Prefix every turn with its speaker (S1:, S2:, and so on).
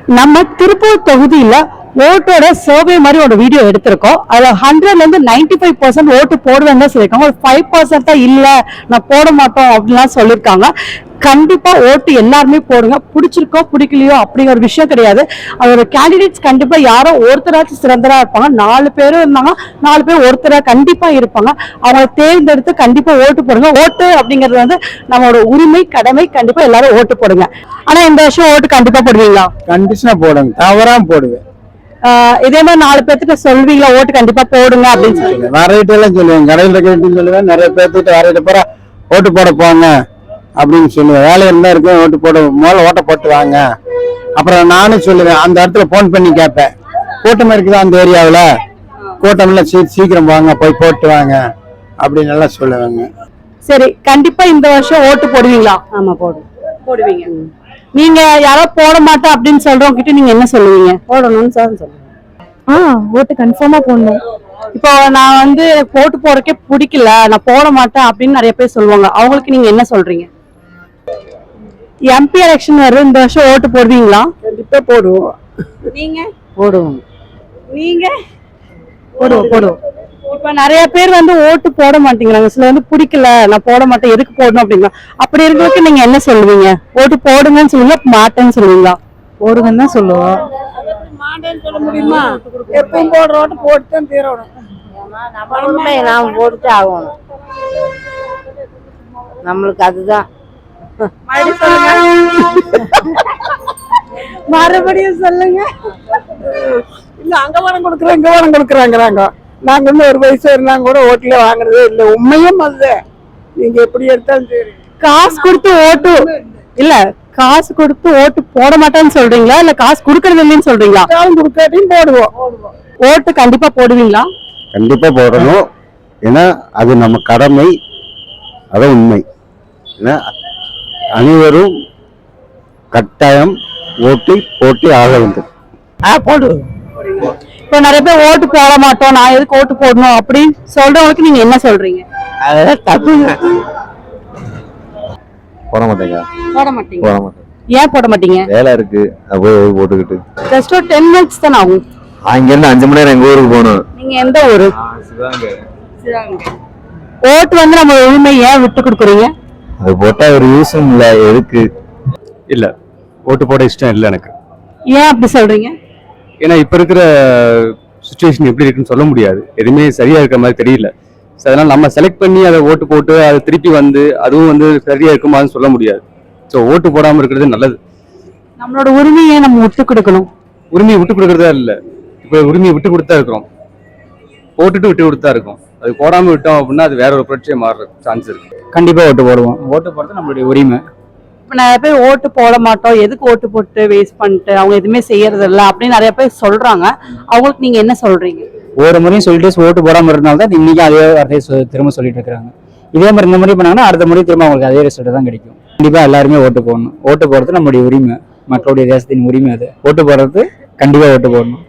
S1: நம்ம திருப்பூர் தொகுதியில ஓட்டோட சர்வே மாதிரி ஒரு வீடியோ எடுத்திருக்கோம். அதுல 100ல இருந்து 95% ஓட்டு போடுவேன்னு தான் சொல்லியிருக்காங்க. ஒரு 5% தான் இல்ல நான் போட மாட்டோம் அப்படின்லாம் சொல்லியிருக்காங்க. கண்டிப்பா ஓட்டு எல்லாருமே போடுங்க. பிடிச்சிருக்கோ பிடிக்கலையோ அப்படிங்கிற ஒரு விஷயம் கிடையாது. அதோட கேண்டிடேட்ஸ் கண்டிப்பா யாரோ ஒருத்தராச்சும் சிறந்தரா இருப்பாங்க. 4 பேரும் இருந்தாங்க, 4 பேர் ஒருத்தரா கண்டிப்பா இருப்பாங்க. அவங்களை தேர்ந்தெடுத்து கண்டிப்பா ஓட்டு போடுங்க. ஓட்டு அப்படிங்கிறது வந்து நம்மளோட உரிமை, கடமை. கண்டிப்பா எல்லாரும் ஓட்டு போடுங்க. ஆனா இந்த வருஷம் ஓட்டு கண்டிப்பா போடுவீங்களா?
S2: கண்டிஷனா போடுங்க, தவறாம போடுவேன்.
S1: இதே மாதிரி 4 பேர்த்துக்கு சொல்வீங்களா ஓட்டு கண்டிப்பா போடுங்க அப்படின்னு சொல்லி?
S2: நிறைய எல்லாம் சொல்லுவேன், கடையில கேட்டு சொல்லுவேன். நிறைய பேர்த்துட்டு வரையிட்ட போற ஓட்டு போட போங்க அப்படின்னு சொல்லுவேன். வேலை இருந்தா இருக்கேன், ஓட்டு போட முதல்ல ஓட்ட போட்டு வாங்க. அப்புறம் நானும் சொல்லுவேன், அந்த இடத்துல போன் பண்ணி கேட்பேன், கூட்டம் இருக்குதா அந்த ஏரியாவில், கூட்டம் எல்லாம் சீக்கிரம் வாங்க, போய் போட்டு வாங்க அப்படின்னு எல்லாம் சொல்லுவாங்க.
S1: சரி, கண்டிப்பா இந்த வருஷம் ஓட்டு போடுவீங்களா?
S3: ஆமா போடுவீங்க.
S1: நீங்க யாரோ போட மாட்டேன் அப்படின்னு சொல்றவங்க கிட்ட நீங்க என்ன சொல்லுவீங்க?
S3: போடணும்னு சொல்லுவேன்.
S1: ஓட்டு கன்ஃபார்மா போடணும். இப்போ நான் வந்து ஓட்டு போறக்கே பிடிக்கல, நான் போட மாட்டேன் அப்படின்னு நிறைய பேர் சொல்லுவாங்க. அவங்களுக்கு நீங்க என்ன சொல்றீங்க? எம்பி எலெக்ஷன் வருது, இந்த வருஷம் ஓட்டு போடுவீங்களா?
S2: கண்டிப்பா போடுவோம்.
S1: நீங்க?
S3: போடுவோம்.
S1: நீங்க?
S3: போடுவோம்.
S1: இப்ப நிறைய பேர் வந்து ஓட்டு போட மாட்டேங்கிறாங்க. சில வந்து பிடிக்கல, நான் போட மாட்டேன், எதுக்கு போடணும் அப்படிங்களா? அப்படி இருக்கிறதுக்கு நீங்க என்ன சொல்லுவீங்க? ஓட்டு போடுங்கன்னு சொல்லுவீங்களா, மாட்டேன்னு சொல்லுவீங்களா?
S3: போடுங்கன்னு தான் சொல்லுவோம்.
S4: மாட்டேன்னு சொல்ல முடியுமா? எப்பவும் போடுற ஓட்டு போட்டு தான் தீரணும்.
S3: நாம் போட்டு ஆகணும். நம்மளுக்கு அதுதான்.
S1: மறுபடியும் சொல்லுங்க.
S4: இல்ல அங்க வரம் கொடுக்குறேன், இங்க வரம் கொடுக்குறாங்கிறாங்க. நாங்க இன்னும் ஒரு வயசு இருந்தாங்க கூட ஓட்டுல வாங்குறதே இல்ல. உண்மையும் அதுதான். நீங்க எப்படி எடுத்தாலும் சரி,
S1: காசு கொடுத்து ஓட்டு இல்ல, காசு கொடுத்து ஓட்டு போட மாட்டேன்னு சொல்றீங்களா, இல்ல காசு கொடுக்கறது இல்லைன்னு சொல்றீங்களா?
S4: கொடுக்காட்டியும் போடுவோம்.
S1: ஓட்டு கண்டிப்பா போடுவீங்களா?
S2: கண்டிப்பா போடணும். ஏன்னா அது நம்ம கடமை, அதான் உண்மை. ஏன்னா அனைவரும் கட்டாயம் ஓட்டி போட்டி ஆக வேண்டும்.
S4: போடுவோம்.
S1: இப்போ நிறைய பேர் ஓட்டு போட மாட்டோம், நான் எதுக்கு ஓட்டு போடணும் அப்படின்னு சொல்றவங்களுக்கு நீங்க என்ன சொல்றீங்க?
S4: அதெல்லாம் தப்புங்க.
S2: போட மாட்டேங்க.
S1: போட மாட்டீங்க?
S2: போட மாட்டேன்.
S1: ஏன் போட மாட்டீங்க?
S2: வேலை இருக்கு, போய் போட்டுக்கிட்டு.
S1: ஜஸ்ட் ஒரு 10 minutes தான் ஆகும்.
S2: அங்க இருந்து 5 மணி நேரம் எங்க ஊருக்கு போகணும்.
S1: நீங்க எந்த ஊரு? ஓட்டு வந்து நம்ம உரிமை ஏன் விட்டு கொடுக்குறீங்க?
S2: அது போட்டா ஒரு யூஸும் இல்ல, எதுக்கு
S5: இல்ல ஓட்டு போட இஷ்டம் இல்லை எனக்கு.
S1: ஏன் அப்படி சொல்றீங்க?
S5: ஏன்னா இப்ப இருக்கிற சுச்சுவேஷன் எப்படி இருக்குன்னு சொல்ல முடியாது. எதுவுமே சரியா இருக்கிற மாதிரி தெரியல. அதனால நம்ம செலக்ட் பண்ணி அதை ஓட்டு போட்டு அதை திருப்பி வந்து அதுவும் வந்து சரியா இருக்குமான்னு சொல்ல முடியாது. ஸோ ஓட்டு போடாம இருக்கிறது நல்லது.
S1: நம்மளோட உரிமையை நம்ம விட்டு கொடுக்கணும்.
S5: உரிமையை விட்டு கொடுக்கறதா இல்லை, இப்போ உரிமையை விட்டு கொடுத்தா இருக்கிறோம், போட்டுட்டு விட்டு கொடுத்தா இருக்கும். அது போடாம விட்டோம் அப்படின்னா அது வேற ஒரு புரட்சியை மாறுற சான்ஸ் இருக்கு.
S2: கண்டிப்பா ஓட்டு போடுவோம். ஓட்டு போடுறது நம்மளுடைய உரிமை.
S1: இப்ப நிறைய பேர் ஓட்டு போட மாட்டோம், எதுக்கு ஓட்டு போட்டு வேஸ்ட் பண்ணிட்டு அவங்க எதுவுமே செய்யறது இல்லை அப்படின்னு நிறைய பேர் சொல்றாங்க. அவங்களுக்கு நீங்க என்ன சொல்றீங்க?
S2: ஒரு முறையும் சொல்லிட்டு ஓட்டு போடாம இருந்தால்தான் தான் இன்னைக்கு அதே வார்த்தையை திரும்ப சொல்லிட்டு இருக்காங்க. இதே மாதிரி இந்த முறை பண்ணாங்கன்னா அடுத்த முறை திரும்ப அவங்களுக்கு அதே ரிசல்ட் தான் கிடைக்கும். கண்டிப்பா எல்லாருமே ஓட்டு போடணும். ஓட்டு போடுறது நம்மளுடைய உரிமை, மக்களுடைய தேசத்தின் உரிமை. அது ஓட்டு போடுறது கண்டிப்பா ஓட்டு போடணும்.